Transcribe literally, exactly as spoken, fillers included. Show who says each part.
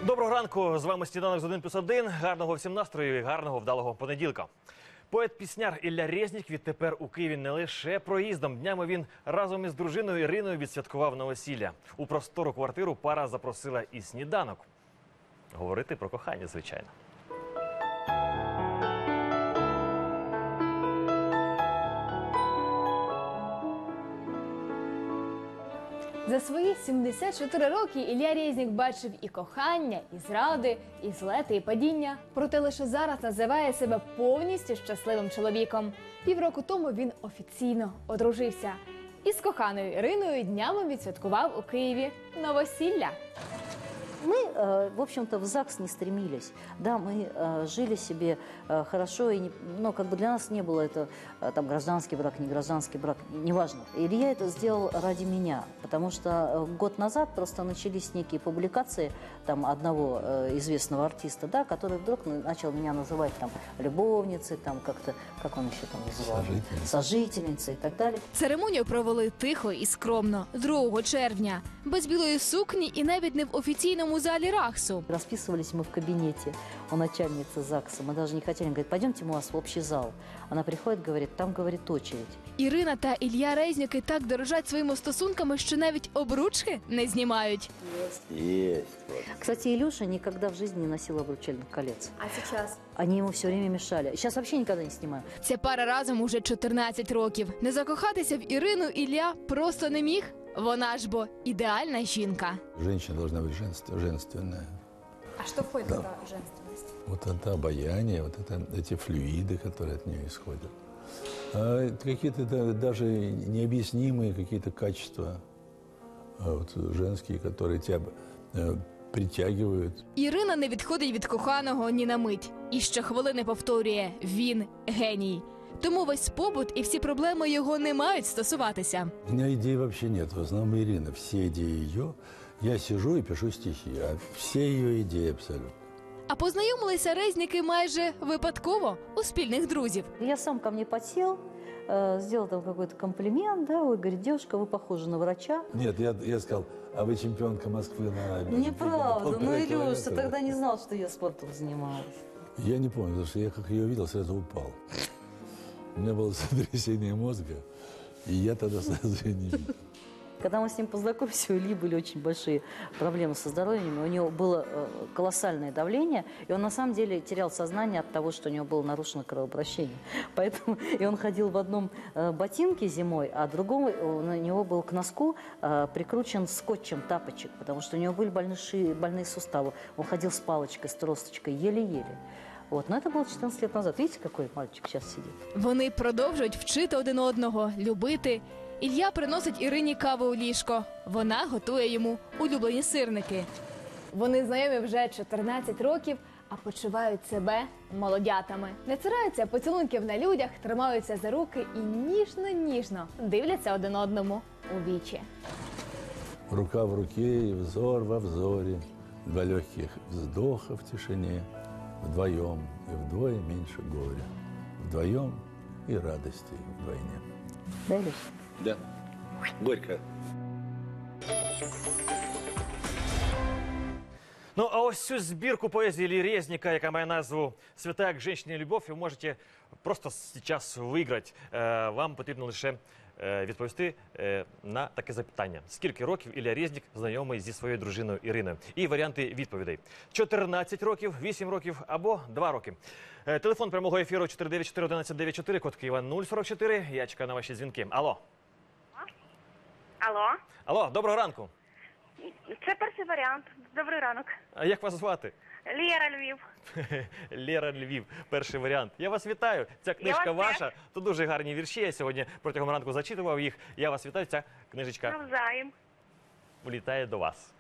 Speaker 1: Доброго ранку, з вами «Сніданок з один плюс один». Гарного всім настрою і гарного вдалого понеділка. Поет-пісняр Ілля Резнік відтепер у Києві не лише проїздом. Днями він разом із дружиною Іриною відсвяткував новосілля. У простору квартиру пара запросила і сніданок. Говорити про кохання, звичайно.
Speaker 2: За свої сімдесят чотири роки Ілля Резнік бачив і кохання, і зради, і злети, і падіння. Проте лише зараз називає себе повністю щасливим чоловіком. Півроку тому він офіційно одружився. І з коханою Іриною днями відсвяткував у Києві новосілля.
Speaker 3: Мы, в общем-то, в ЗАГС не стремились. Да, мы жили себе хорошо, и не, но как бы для нас не было это там гражданский брак, не гражданский брак, неважно. Илья это сделал ради меня, потому что год назад просто начались некие публикации там одного известного артиста, да, который вдруг начал меня называть там любовницей, там как-то, как он еще там называл, сожительницей, сожительницей и так далее.
Speaker 2: Церемонію провели тихо і скромно, другого червня, без білої сукні і навіть не в офіційному у залі РАХСу.
Speaker 3: Расписывались мы в кабинете у начальницы ЗАГСа. Мы даже не хотели. Говорит, пойдемте мы у вас в общий зал. Она приходит, говорит, там, говорит, очередь.
Speaker 2: Ірина та Ілля Резніки так дорожать своїми стосунками, що навіть обручки не знімають.
Speaker 3: Есть. Кстати, Илюша никогда в жизни не носил обручальных колец.
Speaker 2: А сейчас?
Speaker 3: Они ему все время мешали. Сейчас вообще никогда не снимаю.
Speaker 2: Ця пара разом уже чотирнадцять років. Не закохатися в Ірину Ілля просто не міг. Вона ж бо ідеальна жінка.
Speaker 4: Женщина должна быть женств- женственная.
Speaker 2: А что входит в
Speaker 4: Да.
Speaker 2: эту женственность?
Speaker 4: Вот это обаяние, вот это, эти флюиды, которые от нее исходят. А какие-то да, даже необъяснимые какие-то качества а вот, женские, которые тебя э, притягивают.
Speaker 2: Ірина не відходить від коханого ні на мить. І щохвилини повторює – він геній. Тому весь побут і всі проблеми його не мають стосуватися.
Speaker 4: У меня идей вообще нет. В основном Ирина. Все идеи ее. Я сижу и пишу стихи. А все ее идеи абсолютно.
Speaker 2: А познайомилися Резніки майже випадково у спільних друзів.
Speaker 3: Я сам ко мне подсел, э, сделал там какой-то комплимент, да, ой, говорит, девушка, вы похожи на врача.
Speaker 4: Нет, я, я сказал, а вы чемпионка Москвы на...
Speaker 3: Неправда, ну,
Speaker 4: полтора
Speaker 3: Илюша,
Speaker 4: километра.
Speaker 3: тогда не знал, что я спортом занималась.
Speaker 4: Я не помню, потому что я как ее увидел, сразу упал. У меня было сотрясение мозга, и я тогда сразу ее не видел.
Speaker 3: Когда мы с ним познакомились, у Ильи были очень большие проблемы со здоровьем. У него было колоссальное давление, и он на самом деле терял сознание от того, что у него было нарушено кровообращение. Поэтому и он ходил в одном ботинке зимой, а другом у него был к носку прикручен скотчем тапочек, потому что у него были больные, больные суставы. Он ходил с палочкой, с тросточкой, еле-еле. Вот, но это было чотирнадцять лет назад. Видите, какой мальчик сейчас сидит?
Speaker 2: Вони продовжують вчити один одного, любити. Ілля приносить Ірині каву у ліжко. Вона готує йому улюблені сирники. Вони знайомі вже чотирнадцять років, а почувають себе молодятами. Не цираються поцілунків на людях, тримаються за руки і ніжно-ніжно дивляться один одному у вічі.
Speaker 4: Рука в руке и взор во взоре, два легких вздоха в тишине, вдвоем и вдвое меньше горя, вдвоем и радости вдвойне.
Speaker 3: Да, Илюш?
Speaker 4: Да. Горько.
Speaker 1: Ну, а ось цю збірку поезії Іллі Резніка, яка має назву «Святая к женщине любовь», ви можете просто зараз виграти. Вам потрібно лише відповісти на таке запитання. Скільки років Ілля Резнік знайомий зі своєю дружиною Іриною? І варіанти відповідей. чотирнадцять років, вісім років або два роки. Телефон прямого ефіру чотири дев'ять чотири один один дев'ять чотири, код Києва нуль сорок чотири. Я чекаю на ваші дзвінки. Алло.
Speaker 5: Алло,
Speaker 1: Алло, доброго ранку.
Speaker 5: це перший варіант. Добрий ранок.
Speaker 1: А як вас звати?
Speaker 5: Лєра, Львів.
Speaker 1: Лєра, Львів. Перший варіант. Я вас вітаю. Ця книжка
Speaker 5: вас
Speaker 1: ваша. Тут дуже гарні вірші. Я сьогодні протягом ранку зачитував їх. Я вас вітаю. Ця книжечка
Speaker 5: Навзаєм.
Speaker 1: влітає до вас.